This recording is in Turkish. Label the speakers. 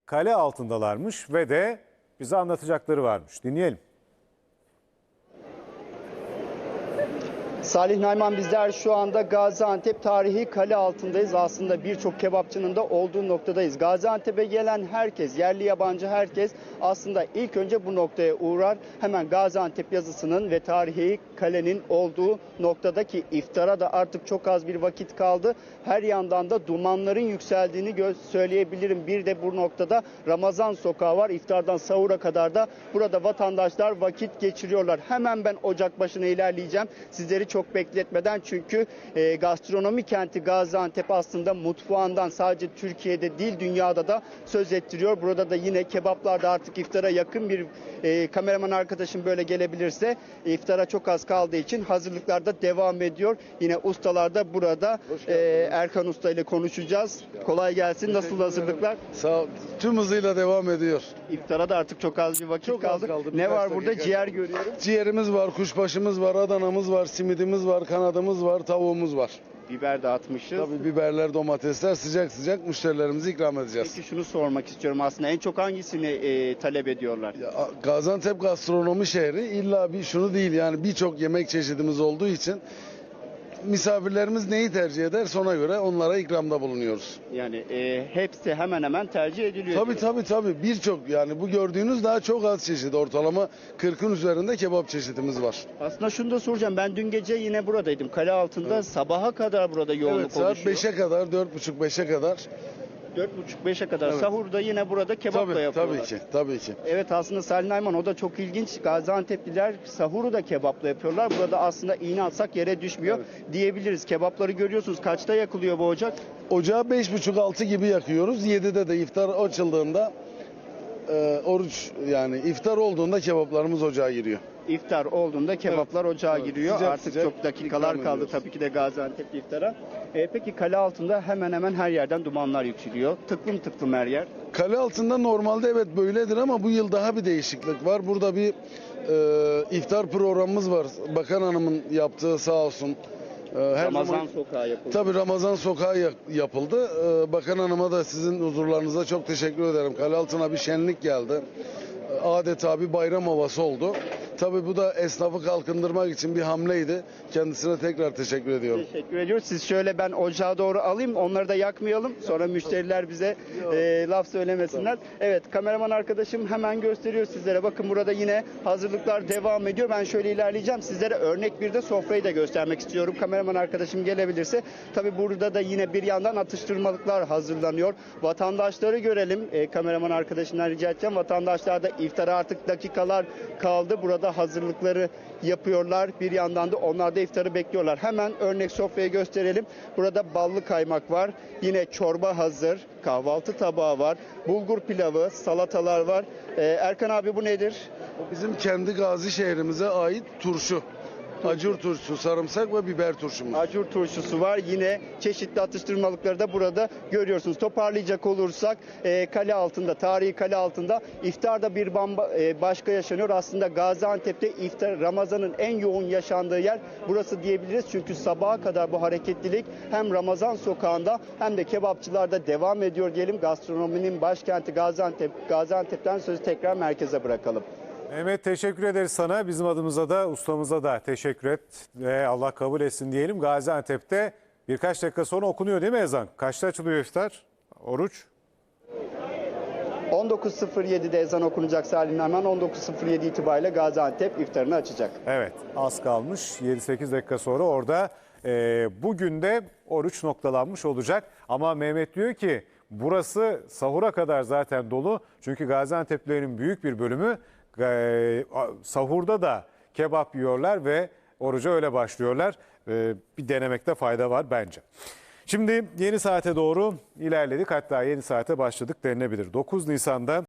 Speaker 1: kale altındalarmış ve de bize anlatacakları varmış. Dinleyelim.
Speaker 2: Salih Nayman, bizler şu anda Gaziantep tarihi kale altındayız. Aslında birçok kebapçının da olduğu noktadayız. Gaziantep'e gelen herkes, yerli yabancı herkes aslında ilk önce bu noktaya uğrar. Hemen Gaziantep yazısının ve tarihi kalenin olduğu noktadaki iftara da artık çok az bir vakit kaldı. Her yandan da dumanların yükseldiğini söyleyebilirim. Bir de bu noktada Ramazan sokağı var. İftardan sahura kadar da burada vatandaşlar vakit geçiriyorlar. Hemen ben ocak başına ilerleyeceğim. Sizleri çok bekletmeden, çünkü gastronomi kenti Gaziantep aslında mutfağından sadece Türkiye'de değil dünyada da söz ettiriyor. Burada da yine kebaplarda artık iftara yakın bir kameraman arkadaşım böyle gelebilirse, iftara çok az kaldığı için hazırlıklar da devam ediyor. Yine ustalar da burada. Erkan Usta ile konuşacağız. Kolay gelsin. Nasıl hazırlıklar?
Speaker 3: Sağ ol. Tüm hızıyla devam ediyor.
Speaker 2: İftara da artık çok az bir vakit
Speaker 3: Çok az
Speaker 2: kaldı.
Speaker 3: kaldı.
Speaker 2: Ne
Speaker 3: Birkaç
Speaker 2: var burada?
Speaker 3: dakika.
Speaker 2: Ciğer görüyorum.
Speaker 3: Ciğerimiz var, kuşbaşımız var, Adana'mız var, simidimiz var, kanadımız var, tavuğumuz var.
Speaker 2: Biber dağıtmışız.
Speaker 3: Tabii biberler, domatesler sıcak sıcak müşterilerimize ikram edeceğiz.
Speaker 2: Peki şunu sormak istiyorum aslında. En çok hangisini talep ediyorlar?
Speaker 3: Gaziantep gastronomi şehri, illa bir şunu değil, yani birçok yemek çeşidimiz olduğu için misafirlerimiz neyi tercih ederse ona göre onlara ikramda bulunuyoruz.
Speaker 2: Yani hepsi hemen hemen tercih ediliyor.
Speaker 3: Tabii birçok, yani bu gördüğünüz daha çok az çeşit, ortalama 40'ın üzerinde kebap çeşitimiz var.
Speaker 2: Aslında şunu da soracağım. Ben dün gece yine buradaydım. Kale altında sabaha kadar burada yoğunluk
Speaker 3: Evet, saat
Speaker 2: oluşuyor.
Speaker 3: 5'e kadar, 4.30-5'e kadar.
Speaker 2: 4.30-5'e kadar
Speaker 3: Evet.
Speaker 2: sahurda yine burada kebap da yapıyorlar.
Speaker 3: Tabii ki.
Speaker 2: Evet, aslında Salih Nayman, o da çok ilginç. Gaziantep'liler sahuru da kebapla yapıyorlar. Burada aslında iğne atsak yere düşmüyor diyebiliriz. Kebapları görüyorsunuz. Kaçta yakılıyor bu ocak?
Speaker 3: Ocağı 5.30-6 gibi yakıyoruz. 7'de de iftar açıldığında oruç, yani iftar olduğunda kebaplarımız ocağa giriyor.
Speaker 2: İftar olduğunda kebaplar ocağa giriyor.
Speaker 3: Sıcak
Speaker 2: Artık
Speaker 3: sıcak
Speaker 2: çok dakikalar
Speaker 3: ikram
Speaker 2: kaldı
Speaker 3: ediyoruz.
Speaker 2: tabii ki de Gaziantep iftara. Peki kale altında hemen hemen her yerden dumanlar yükseliyor. Tıklım tıklım her yer.
Speaker 3: Kale altında normalde evet böyledir ama bu yıl daha bir değişiklik var. Burada bir iftar programımız var. Bakan Hanım'ın yaptığı, sağ olsun. Her
Speaker 2: Ramazan
Speaker 3: zaman,
Speaker 2: sokağı yapıldı.
Speaker 3: tabii Ramazan sokağı yapıldı. Bakan Hanım'a da sizin huzurlarınıza çok teşekkür ederim. Kale altına bir şenlik geldi. Adeta bir bayram havası oldu. Tabii bu da esnafı kalkındırmak için bir hamleydi. Kendisine tekrar teşekkür ediyorum.
Speaker 2: Teşekkür ediyoruz. Siz şöyle, ben ocağa doğru alayım. Onları da yakmayalım. Sonra müşteriler bize laf söylemesinler. Evet, kameraman arkadaşım hemen gösteriyor sizlere. Bakın burada yine hazırlıklar devam ediyor. Ben şöyle ilerleyeceğim. Sizlere örnek bir de sofrayı da göstermek istiyorum. Kameraman arkadaşım gelebilirse. Tabii burada da yine bir yandan atıştırmalıklar hazırlanıyor. Vatandaşları görelim. Kameraman arkadaşımdan rica edeceğim. Vatandaşlar da iftara artık dakikalar kaldı. Burada hazırlıkları yapıyorlar. Bir yandan da onlar da iftarı bekliyorlar. Hemen örnek sofrayı gösterelim. Burada ballı kaymak var. Yine çorba hazır. Kahvaltı tabağı var. Bulgur pilavı, salatalar var. Erkan abi, bu nedir?
Speaker 3: Bizim kendi Gazi şehrimize ait turşu. Acur turşusu, sarımsak ve biber turşumuz.
Speaker 2: Acur turşusu var. Yine çeşitli atıştırmalıkları da burada görüyorsunuz. Toparlayacak olursak kale altında, tarihi kale altında iftarda bir başka yaşanıyor. Aslında Gaziantep'te iftar, Ramazan'ın en yoğun yaşandığı yer burası diyebiliriz. Çünkü sabaha kadar bu hareketlilik hem Ramazan sokağında hem de kebapçılarda devam ediyor diyelim. Gastronominin başkenti Gaziantep. Gaziantep'ten sözü tekrar merkeze bırakalım.
Speaker 1: Mehmet, teşekkür ederiz sana. Bizim adımıza da ustamıza da teşekkür et ve Allah kabul etsin diyelim. Gaziantep'te birkaç dakika sonra okunuyor değil mi ezan? Kaçta açılıyor iftar? Oruç?
Speaker 2: 19.07'de ezan okunacak Salih Nayman. 19.07 itibariyle Gaziantep iftarını açacak.
Speaker 1: Evet, az kalmış. 7-8 dakika sonra orada bugün de oruç noktalanmış olacak. Ama Mehmet diyor ki burası sahura kadar zaten dolu. Çünkü Gaziantep'lilerin büyük bir bölümü sahurda da kebap yiyorlar ve oruca öyle başlıyorlar. Bir denemekte fayda var bence. Şimdi yeni saate doğru ilerledik, hatta yeni saate başladık denilebilir. 9 Nisan'da